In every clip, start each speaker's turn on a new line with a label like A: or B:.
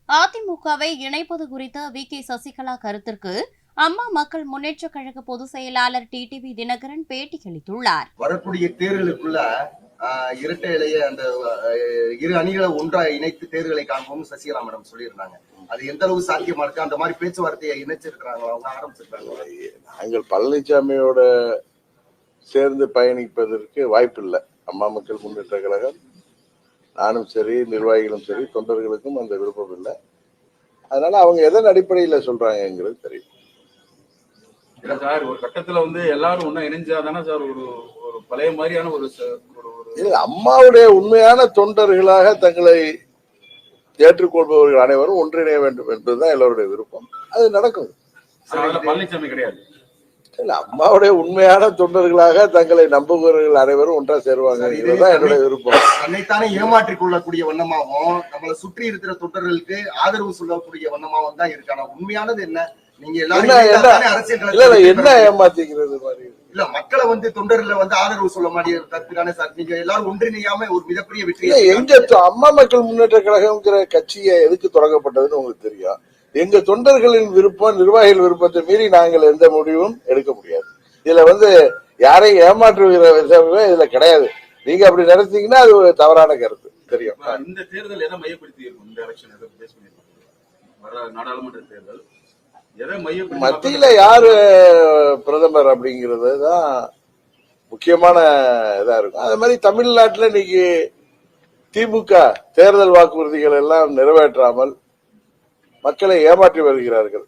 A: அதிமுகவை இணைப்பது குறித்த வி.கே. சசிகலா கருத்திற்கு அம்மா மக்கள் முன்னேற்றக் கழக பொதுச் செயலாளர் டிடிவி தினகரன் பேட்டியளித்துள்ளார்.
B: வரக்கூடிய தேர்தலுக்குள்ள இரட்டை இலைய அந்த இரு அணிகளை ஒன்றாக இணைத்து தேர்தலை காண்போம் சசிகலா மேடம் சொல்லியிருந்தாங்க. அது எந்த அளவு சாத்தியமா இருக்கு? அந்த மாதிரி பேச்சுவார்த்தையை இணைச்சிருக்கிறாங்களா, அவங்க ஆரம்பிச்சிருக்காங்களா?
C: நாங்கள் பழனிசாமியோட சேர்ந்து பயணிப்பதற்கு வாய்ப்பு இல்லை. அம்மா மக்கள் முன்னேற்ற கழகம், நானும் சரி, நிர்வாகிகளும் சரி, தொண்டர்களுக்கும் அந்த விருப்பம் இல்லை. அதனால அவங்க எதன் அடிப்படையில் சொல்றாங்கிறது தெரியும்.
D: இல்ல சார், ஒரு கட்டத்துல எல்லாரும் ஒன்னா இணைஞ்சாதானே சார் ஒரு ஒரு பழைய மாதிரியான ஒரு
C: அம்மாவுடைய உண்மையான தொண்டர்களாக தங்களை ஏற்றுக்கொள்பவர்கள் அனைவரும் ஒன்றிணைய வேண்டும் என்பதுதான் எல்லோருடைய விருப்பம். அது நடக்கும்.
D: பழனிசாமி கிடையாது.
C: இல்ல, அம்மாவுடைய உண்மையான தொண்டர்களாக தங்களை நம்புபவர்கள் அனைவரும் ஒன்றா சேருவாங்க. இதுதான் என்னுடைய விருப்பம்.
B: தன்னைத்தானே ஏமாற்றிக் கொள்ளக்கூடிய வண்ணமாகவும் நம்மளை சுற்றி இருக்கிற தொண்டர்களுக்கு ஆதரவு சொல்லக்கூடிய வண்ணமாகவும் தான் இருக்கு. ஆனா உண்மையானது என்ன? நீங்க எல்லாரும்
C: என்ன ஏமாத்திக்கிறது மாதிரி
B: இல்ல, மக்களை தொண்டர்ல ஆதரவு சொல்ல மாட்டேங்கிற கருத்துக்கான சார். நீங்க எல்லாரும் ஒன்றிணையாம ஒரு மிகப்பெரிய வெற்றி.
C: எங்க அம்மா மக்கள் முன்னேற்ற கழகம்ங்கிற கட்சியை எதுக்கு தொடங்கப்பட்டதுன்னு உங்களுக்கு தெரியும். எங்க தொண்டர்களின் விருப்பம், நிர்வாகிகள் விருப்பத்தை மீறி நாங்கள் எந்த முடிவும் எடுக்க முடியாது. இதுல யாரையும் ஏமாற்றுகிற விஷயமே இதுல கிடையாது. நீங்க அப்படி நினைச்சீங்கன்னா அது ஒரு தவறான கருத்து. தெரியும்.
D: இந்த தேர்தல் எதை மையப்படுத்தி இருக்கும்? இந்த எலெக்ஷன் எதை பேஸ் பண்ணிருக்கோம்? நாடாளுமன்ற தேர்தல்
C: மத்தியில யாரு பிரதமர் அப்படிங்கிறது தான் முக்கியமான இதா இருக்கும். அதே மாதிரி தமிழ்நாட்டில் இன்னைக்கு திமுக தேர்தல் வாக்குறுதிகள் எல்லாம் நிறைவேற்றாமல் மக்களை ஏமாற்றி வருகிறார்கள்.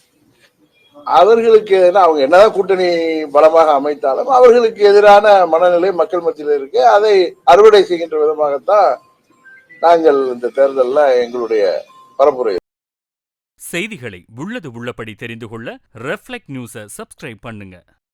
C: அவர்களுக்கு அவங்க என்னதான் கூட்டணி பலமாக அமைத்தாலும் அவர்களுக்கு எதிரான மனநிலை மக்கள் மத்தியில் இருக்கு. அதை அறுவடை செய்கின்ற விதமாகத்தான் நாங்கள் இந்த தேர்தலில் எங்களுடைய பரப்புரை.
E: செய்திகளை உள்ளது உள்ளபடி தெரிந்து கொள்ள ரெஃப்ளெக்ட் நியூஸை சப்ஸ்கிரைப் பண்ணுங்க.